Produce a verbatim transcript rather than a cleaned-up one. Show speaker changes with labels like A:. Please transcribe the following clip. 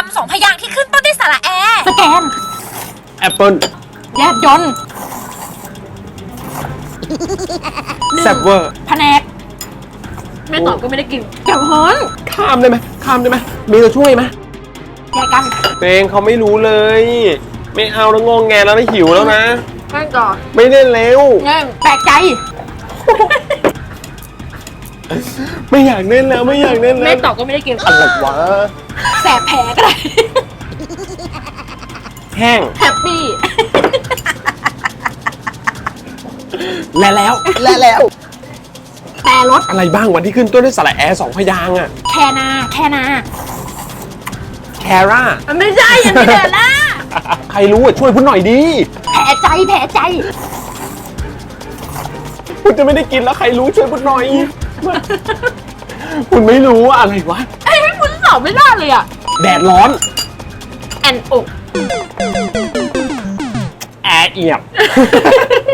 A: ำสองพยางค์ที่ขึ้นต้นด้วยสระแอสแกน
B: แอปเปิล
A: แยบยนต์
B: แซบเวอร์
A: แผนกไม่ตอบก็ไม่ได้กินแก้วฮ้อน
B: ข้ามได้ไหมข้ามได้ไหมมีตัวช่วยไหม
A: แยกกัน
B: เตงเขาไม่รู้เลย ไม่เอาแล้วงงแงแล้วนะหิวแล้วนะ
A: แม่งก่อน
B: ไม่เล่นเร็ว
A: เงี้ยแปลกใจ
B: ไม่อยากเล่นแล้วไม่อยากเล่นแล้ว
A: ไม่ตอบก็ไม่ได้กิน
B: อะไรวะ
A: แสบแผลก็ได้
B: แห้ง
A: แฮปปี้
B: และแล้วและแล้ว
A: แต่รถ
B: อะไรบ้างวันที่ขึ้นต้นด้วยสระแอร์สองพยางค์อะ
A: แคนาแคนา
B: แคร่า
A: มันไม่ใช่ยังไม่เดินละ
B: ใครรู้อ่ะช่วยพูดหน่อยดิ
A: แผลใจแผลใจ
B: คุณจะไม่ได้กินแล้วใครรู้ช่วยพูดหน่อย คุณไม่รู้อะอะไรวะ
A: ไอ้ให้คุณตอบไม่ได้เลยอ่ะ
B: แดดร้อน
A: แอนอก
B: แอร์เอียบ